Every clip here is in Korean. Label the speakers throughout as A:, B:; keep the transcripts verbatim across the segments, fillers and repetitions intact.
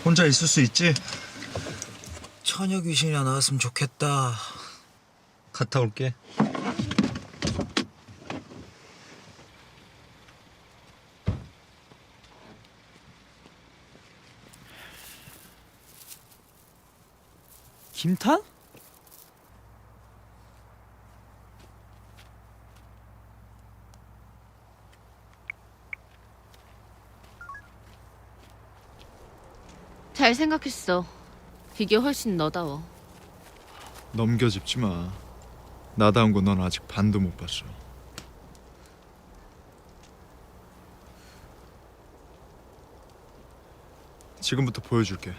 A: 혼자 있을 수 있지?
B: 처녀 귀신이나 나왔으면 좋겠다.
A: 갔다 올게.
B: 김탄?
C: 잘 생각했어. 이게 훨씬 너다워.
D: 넘겨짚지 마. 나다운 거 넌 아직 반도 못 봤어. 지금부터 보여줄게.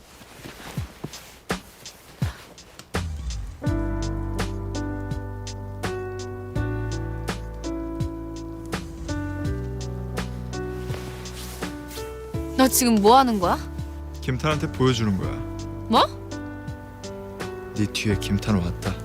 C: 너 지금 뭐 하는 거야?
D: 김탄한테 보여주는 거야.
C: 뭐?
D: 네 뒤에 김탄 왔다.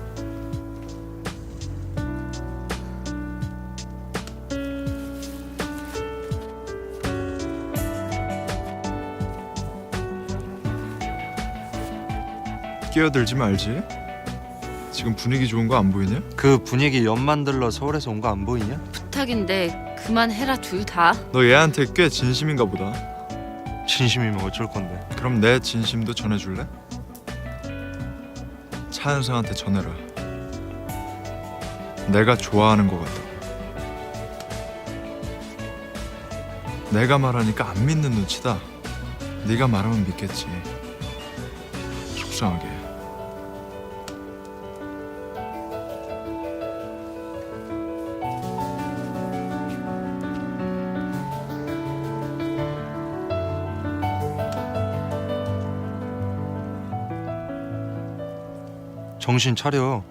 D: 끼어들지 말지. 지금 분위기 좋은 거 안 보이냐?
E: 그 분위기 연 만들러 서울에서 온 거 안 보이냐?
C: 부탁인데 그만해라 둘 다.
D: 너 얘한테 꽤 진심인가 보다.
E: 진심이면 어쩔 건데.
D: 그럼 내 진심도 전해줄래? 차은성한테 전해라. 내가 좋아하는 것 같다. 내가 말하니까 안 믿는 눈치다. 네가 말하면 믿겠지. 속상하게.
E: 정신 차려.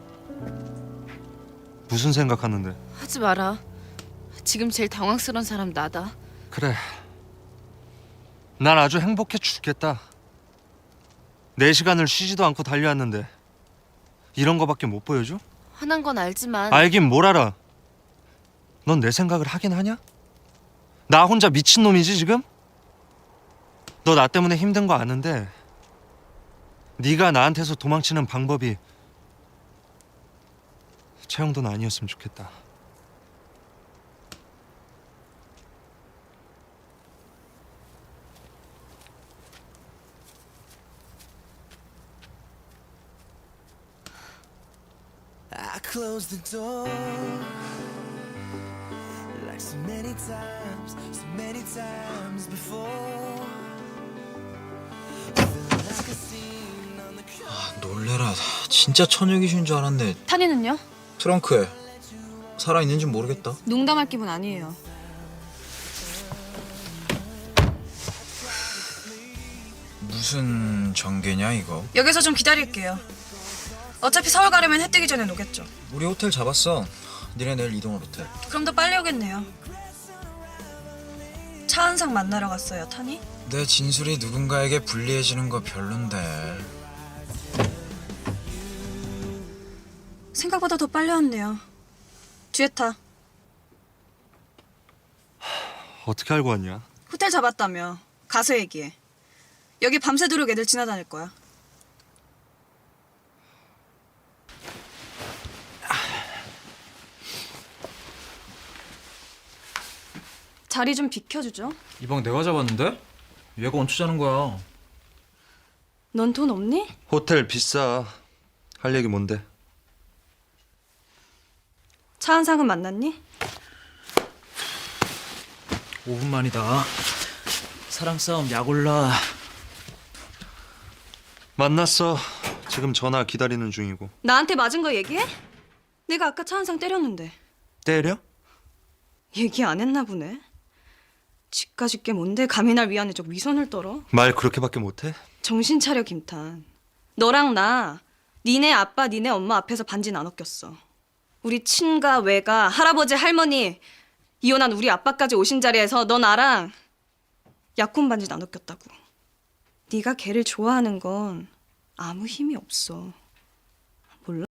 E: 무슨 생각하는데?
C: 하지 마라. 지금 제일 당황스러운 사람 나다.
E: 그래. 난 아주 행복해 죽겠다. 네 시간을 쉬지도 않고 달려왔는데 이런 거밖에 못 보여줘?
C: 화난 건 알지만
E: 알긴 뭘 알아. 넌 내 생각을 하긴 하냐? 나 혼자 미친놈이지 지금? 너 나 때문에 힘든 거 아는데 네가 나한테서 도망치는 방법이 최영돈 아니었으면 좋겠다.
F: I closed the door like so many times, so many times before. Feel like a scene on the
B: 아, 놀래라. 진짜 처녀 귀신인 줄 알았네.
G: 탄이는요?
B: 트렁크에 살아있는지 모르겠다.
G: 농담할 기분 아니에요.
B: 무슨 전개냐 이거?
G: 여기서 좀 기다릴게요. 어차피 서울 가려면 해 뜨기 전에 오겠죠.
B: 우리 호텔 잡았어. 니네 내일 이동할 호텔.
G: 그럼 더 빨리 오겠네요. 차은상 만나러 갔어요, 탄이?
B: 내 진술이 누군가에게 불리해지는 거 별론데.
G: 생각보다 더 빨리 왔네요. 뒤에 타.
E: 어떻게 알고 왔냐?
G: 호텔 잡았다며. 가서 얘기해. 여기 밤새도록 애들 지나다닐 거야. 자리 좀 비켜주죠.
B: 이 방 내가 잡았는데? 얘가 얹혀자는 거야.
G: 넌 돈 없니?
E: 호텔 비싸. 할 얘기 뭔데?
G: 차은상은 만났니?
B: 오 분 만이다. 사랑 싸움 약 올라.
E: 만났어. 지금 전화 기다리는 중이고.
G: 나한테 맞은 거 얘기해? 내가 아까 차은상 때렸는데.
E: 때려?
G: 얘기 안 했나 보네. 지까짓 게 뭔데 감히 날 위안해 저 위선을 떨어?
E: 말 그렇게밖에 못해?
G: 정신 차려 김탄. 너랑 나 니네 아빠 니네 엄마 앞에서 반지 나눠 꼈어. 우리 친가 외가 할아버지 할머니 이혼한 우리 아빠까지 오신 자리에서 너 나랑 약혼 반지 나눠 꼈다고. 네가 걔를 좋아하는 건 아무 힘이 없어. 몰라?